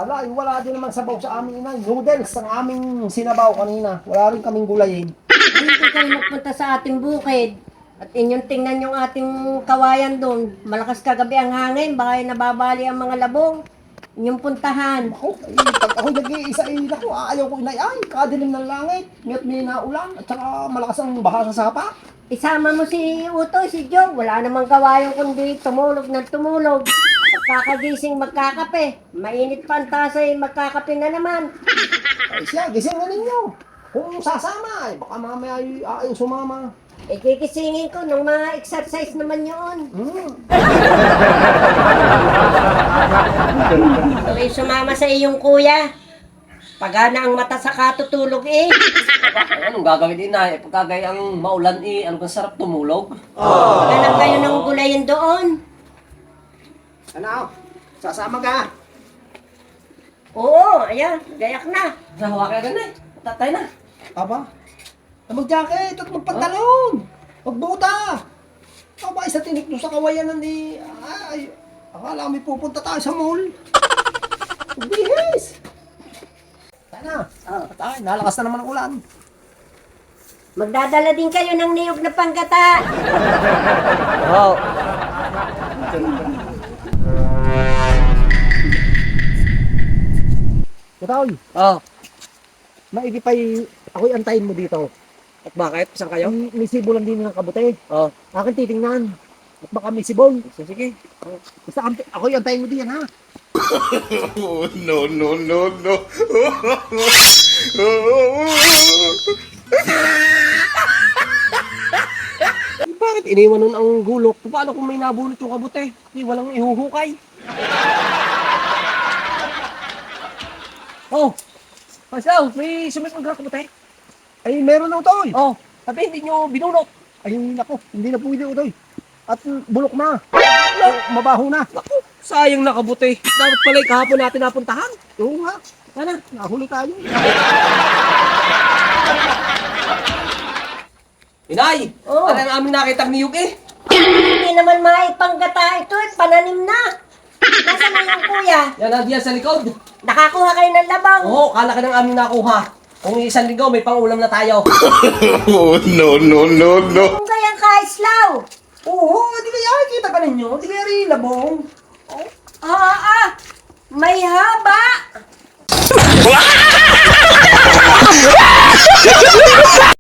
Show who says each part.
Speaker 1: Ala, wala din naman sabaw sa amin, inay. Noodles ang aming sinabaw kanina. Wala rin kaming gulayin.
Speaker 2: Dito kayo magpunta sa ating bukid. At inyong tingnan yung ating kawayan doon. Malakas kagabi ang hangin, baka nababali ang mga labong. Inyong puntahan.
Speaker 1: Ako, pag ako nag-iisa, naku, ayaw ko, inay. Ay, kadilim ng langit. Ngayon may naulan. At saka malakas ang baha sa sapa.
Speaker 2: Isama mo si Utoy, si Joe. Wala namang kawayan kundi tumulog ng tumulog. Pagkakagising magkakape. Mainit pa ang tasay, magkakape na naman.
Speaker 1: Ay siya, gising na ninyo. Kung sasama, ay baka mamaya ay ayaw sumama.
Speaker 2: Eh, kikisingin ko nung mga exercise naman yun. Tuloy sumama sa iyong kuya. Pagana ang mata sa katutulog eh.
Speaker 3: Anong gagawin din na? Pagkagay ang maulan ano bang sarap tumulog?
Speaker 2: Paghanap kayo ng gulayin doon.
Speaker 1: Ano? Sasama ka?
Speaker 2: Oo, ayan, gayak na.
Speaker 3: Nahawa ka na eh. Tatay na.
Speaker 1: Aba? Mag-jacket at magpantalon. Magbuta. Aba, isa tinik doon sa kawayanan ni... Ay, akala may pupunta tayo sa mall. Bihis. Sana. Tayo, nalakas na naman ang ulan.
Speaker 2: Magdadala din kayo ng niyog na panggata.
Speaker 3: Oo.
Speaker 1: Katoy,
Speaker 3: Oh.
Speaker 1: maigipay ako'y antayin mo dito.
Speaker 3: At bakit? Saan kayo?
Speaker 1: May sibo lang din ng kabute.
Speaker 3: Oh.
Speaker 1: Akin titingnan. At baka may sibol.
Speaker 3: Sige.
Speaker 1: Basta ako'y antayin mo diyan, ha?
Speaker 4: Oh, no, no, no, no.
Speaker 1: Bakit iniwan nun ang gulok? Paano kung may nabunot yung kabute? Di walang ihuhukay. Oh, Pasaw, may sumipat ng kabute? Ay, meron na ito. Oh, sabi hindi nyo binunot. Ay, nako, hindi na pwede ito. At bulok na. Mabaho na.
Speaker 3: Naku, sayang nakabuti. Dapat pala kahapon natin napuntahan.
Speaker 1: Oo nga. Sana, nahuli tayo.
Speaker 3: Inay!
Speaker 2: Oh.
Speaker 3: Ano ang aming nakitang niyog eh?
Speaker 2: Hindi naman maipanggata ito eh, pananim na. Nasaan na yung kuya?
Speaker 3: Yan nandiyan sa likod.
Speaker 2: Nakakuha kayo ng labang.
Speaker 3: Oo, kala ka ng aming nakuha. Kung isang linggo, may pang-ulam na tayo.
Speaker 4: Oh, no, no, no, no.
Speaker 2: Kung kayang kaislaw.
Speaker 1: Oo, di kaya kita ka ninyo. Di kaya rin labong.
Speaker 2: May haba.